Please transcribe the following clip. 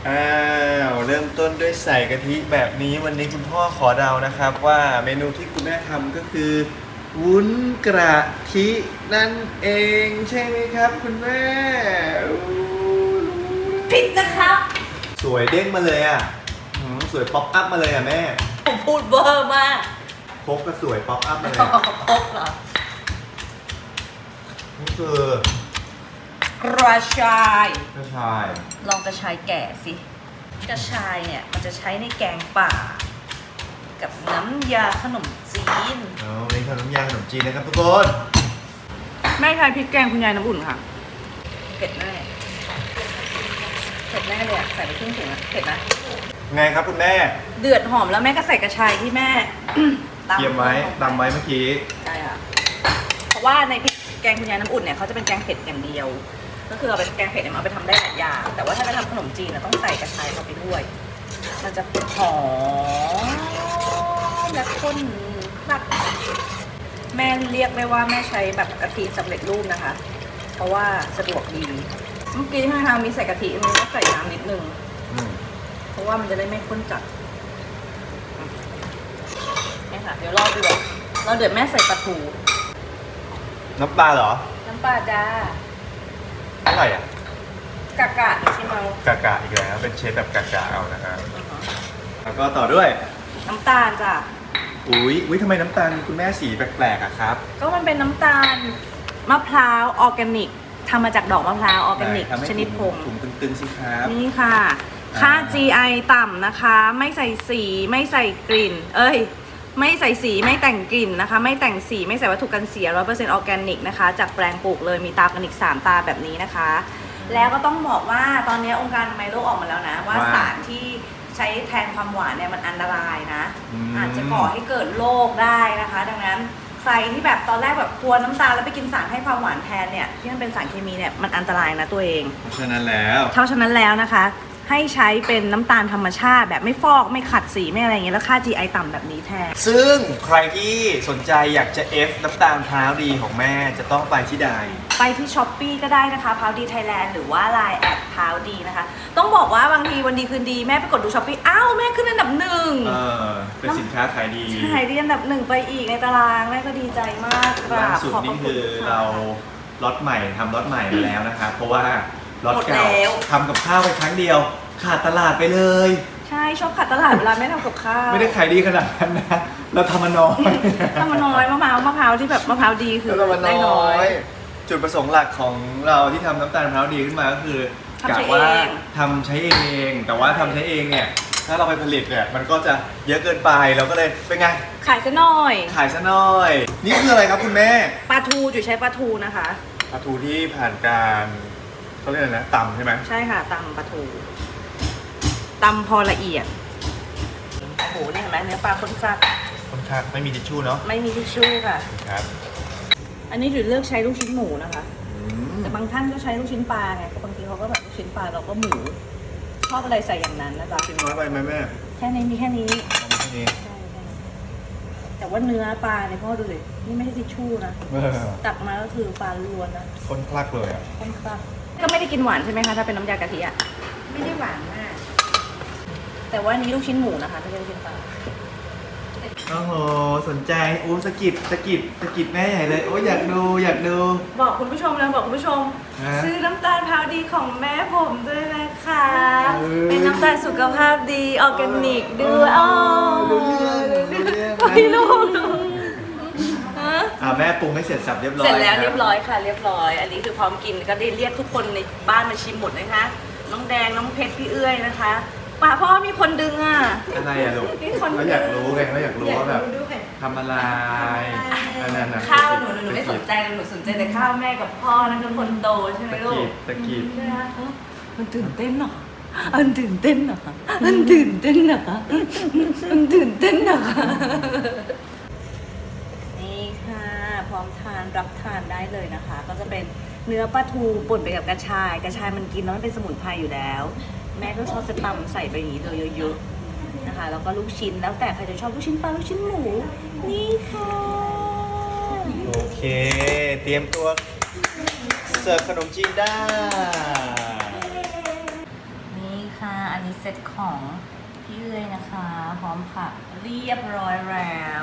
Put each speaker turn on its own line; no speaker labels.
อ้าวเริ่มต้นด้วยใส่กะทิแบบนี้วันนี้คุณพ่อขอเดานะครับว่าเมนูที่คุณแม่ทำก็คือวุ้นกระทินั่นเองใช่ไหมครับคุณแม่อู้
ผิดนะครับ
สวยเด้งมาเลยอ่ะสวยป๊อปอัพมาเลยอ่ะแม่
ผมพูดเบอร์มาก
พกก็สวยป๊อปอัพมาเลย
ครบเหรอ
นี่คือก
ระชาย
กระชาย
ลองกระชายแก่สิ กระชายเนี่ยมันจะใช้ในแกงป่า กับน้ำยาขนมจีน
วันนี้ทำน้ำยาขนมจีนนะครับทุกคน
แม่ใช้พริกแกงคุณยายน้ำอุ่นค่ะ
เผ็ดแน่เผ็ดแน่เลยอะใส่ไปครึ่งถุงอะเผ็ดนะ
ไงครับคุณแม่
เดือดหอมแล้วแม่ก็ใส่กระชายที่แม่
เตรียมไว้ตำไว้เมื่อกี้
ใช่ค่ะ เพราะว่าในพริกแกงคุณยายน้ำอุ่นเนี่ยเขาจะเป็นแกงเผ็ดอย่างเดียว ก็คือเอาไปแกงเผ็ดเนี่ยเอาไปทำได้หลายอย่าง แต่ว่าถ้าจะทำขนมจีนต้องใส่กระชายเข้าไปด้วย มันจะหอมและข้นมากแม่เรียกได้ว่าแม่ใช้แบบกะทิสำเร็จรูปนะคะ เพราะว่าสะดวกดี เมื่อกี้ที่ทางมีใส่กะทิมันก็ใส่น้ำนิดนึง เพราะว่ามันจะได้ไม่ข้นจัดนี่ค่ะ เดี๋ยวรอเดือดเราเดือดแม่ใส่ปลาทู
น้ำปลาเหรอ
น้ำปลาจ้า
เท่าไหร่อ่ะ
กะกะชิมเอา
กากะอีกแล้วเป็นเชฟแบบกากะเอานะครับแล้วก็ต่อด้วย
น้ำตาลจ้ะ
อุ้ยทำไมน้ำตาลคุณแม่สีแปลกๆอะครับ
ก็มันเป็นน้ำตาลมะพร้าวออร์แกนิกทำมาจากดอกมะพร้าวออร์แกนิก
ทำให้
ชนิดผง
ถุงตึงๆสิครับ
นี่ค่ะ ค่า GI ต่ำนะคะ ไม่ใส่สีไม่ใส่กลิ่น ไม่ใส่สีไม่แต่งกลิ่นนะคะ ไม่แต่งสีไม่ใส่วัตถุกันเสีย 100% ออร์แกนิกนะคะ จากแปลงปลูกเลยมีตาออร์แกนิก3 ตาแบบนี้นะคะ แล้วก็ต้องบอกว่าตอนนี้องค์การอนามัยโลกออกมาแล้วนะ ว่าสารที่ใช้แทนความหวานเนี่ยมันอันตรายนะ อาจจะก่อให้เกิดโรคได้นะคะ ดังนั้นใครที่แบบตอนแรกแบบกลัวน้ำตาลแล้วไปกินสารให้ความหวานแทนเนี่ยที่มันเป็นสารเคมีเนี่ยมันอันตรายนะตัวเอง
เพราะฉะนั้นแล้ว
เพราะฉะนั้นแล้วนะคะ ให้ใช้เป็นน้ำตาลธรรมชาติแบบไม่ฟอกไม่ขัดสีไม่อะไรอย่างเงี้ยแล้วค่า GI ต่ำแบบนี้แทน
ซึ่งใครที่สนใจอยากจะ F น้ำตาลพร้าวดีของแม่จะต้องไปที่ใด
ไปที่ช้อปปีก็ได้นะคะพาวดีไทยแลนด์หรือว่า Line แอดพาวดีนะคะ ต้องบอกว่าบางทีวันดีคืนดีแม่ไปกดดูช้อปปี้อ้าวแม่ขึ้นอันดับหนึ่ง
เป็นสินค้าขายดี
ใช่ได้อันดับหนึ่งไปอีกในตารางแม่ก็ดีใจมากกรา
ล่า
บ
สุด
ขอบพ
นี่
ระคุ
คื
ณ
อ
ค่ะ
เราล็อตใหม่ทำล็อตใหม่มาแล้วนะครับ เพราะว่าล็อต
หมด
เก่า
แล้ว
ทำกับข้าวไปครั้งเดียว ขาดตลาดไปเลย
ใช่ชอบขัดตลาดเวลาแม่ทำกับข้าว
ไม่ได้ขายดีขนาดนั้นนะ เราทำมาน้อย
ทำมาน้อยมะพร้าวที่แบบมะพร้าวดีคือ
เราทำมา
ได้
น้
น้
อ
อย
ย จุดประสงค์หลักของเราที่ทำน้ำตาลมะพร้าวดีขึ้นมาก็คือ
ทำใช้
กะว่า
เอง
ทำใช้เอง แต่ว่าทำใช้เองเนี่ยถ้าเราไปผลิตเนี่ยมันก็จะเยอะเกินไปเราก็เลยเป็นไง
ขายซะหน่อย
ขายซะหน่อย นี่คืออะไรครับคุณแม่
ปลาทูจุ๋ยใช้ปลาทูนะคะ
ปลาทูที่ผ่านการเขาเรียกอะไรนะตำใช่ไหม
ใช่ค่ะตำปลาทูตำพอละเอียดโอ้โหนี่เห็นไหมเนื้อปลาข้นคลัก
ค่อนข้างไม่มีทิชชู่เนาะ
ไม่มีทิชชู่ค่ะ
ครับ
อันนี้จุ๋ยเลือกใช้ลูกชิ้นหมูนะคะ
อืม
แต่บางท่านก็ใช้ลูกชิ้นปลาไงบางทีเขาก็แบบลูกชิ้นปลาเราก็หมูชอบอะไรใส่อย่างนั้นนะจ๊ะ
ชิ้นน้อยไปไหมแม่
แค่นี้มีแค่นี้
เอามาแค่นี้
ใช่แค่นี้แต่ว่าเนื้อปลาเนี่ยพ่อดูเลยนี่ไม่ใช่ทิชชู่นะ
เออ
ตักมาก็คือปลาล้วนนะ
คนคลักเลยอ่ะ
ค่อนข้างก็ไม่ได้กินหวานใช่ไหมคะถ้าเป็นน้ำยากะทิอะ
ไม่ได้หวานมาก
แต่ว่าอันนี้ลูกชิ้นหมูนะคะไม่ใช่ลูกชิ้นปลา
โอ้โหสนใจโอ้สะกิดแม่ใหญ่เลยโอ้อยากดู
บอกคุณผู้ชมแล้วบอกคุณผู้ชม
ฮะ
ซื้อน้ำตาลพร้าวดีของแม่ผมด้วยนะคะ
เออ
เป็นน้ำตาลสุขภาพดีออร์แกนิกด้วยอ๋อ
รู้เรื่อง
ไม่รู้ฮะ
แม่ปรุงให้เสร็จสับเรียบร้อย
เสร็จแล้ว
ค
เรียบร้อยค่ะเรียบร้อย อันนี้คือพร้อมกินก็ได้เรียกทุกคนในบ้านมาชิมหมดนะคะ น้องแดงน้องเพชรพี่เอื้อยนะคะป่าพ่อมีคนดึงอ่ะ
อะไรอะลูก
มีคน
เขาอยากรู้ไงเขาอยากรู้ว่าแบบ
ดูด้วย
ทำอะไรอันนั้นนะ
ข้าวหนูไม่สนใจหนูสนใจแต่ข้าวแม่กับพ่อนั่นคือคนโตใช่ไหมลูก
ตะกีบ
มันตื่นเต้นเหรอมันตื่นเต้นเหรอมันตื่นเต้นเหรอมันตื่นเต้นเหรอนี่ค่ะพร้อมทานรับทานได้เลยนะคะ ก็จะเป็นเนื้อปลาทูป่นไปกับกระชายมันกินแล้วมันเป็นสมุนไพรอยู่แล้ว แม่ก็ชอบจะตำใส่ไปอย่างนี้เลยเยอะๆนะคะแล้วก็ลูกชิ้นแล้วแต่ใครจะชอบลูกชิ้นปลาลูกชิ้นหมูนี่ค่ะ
โอเค เตรียมตัวเสิร์ฟขนมจีนได้
นี่ค่ะอ
อันนี้เซตของพี่เอ้ยนะคะ พร้อมผักเรียบร้อยแล้ว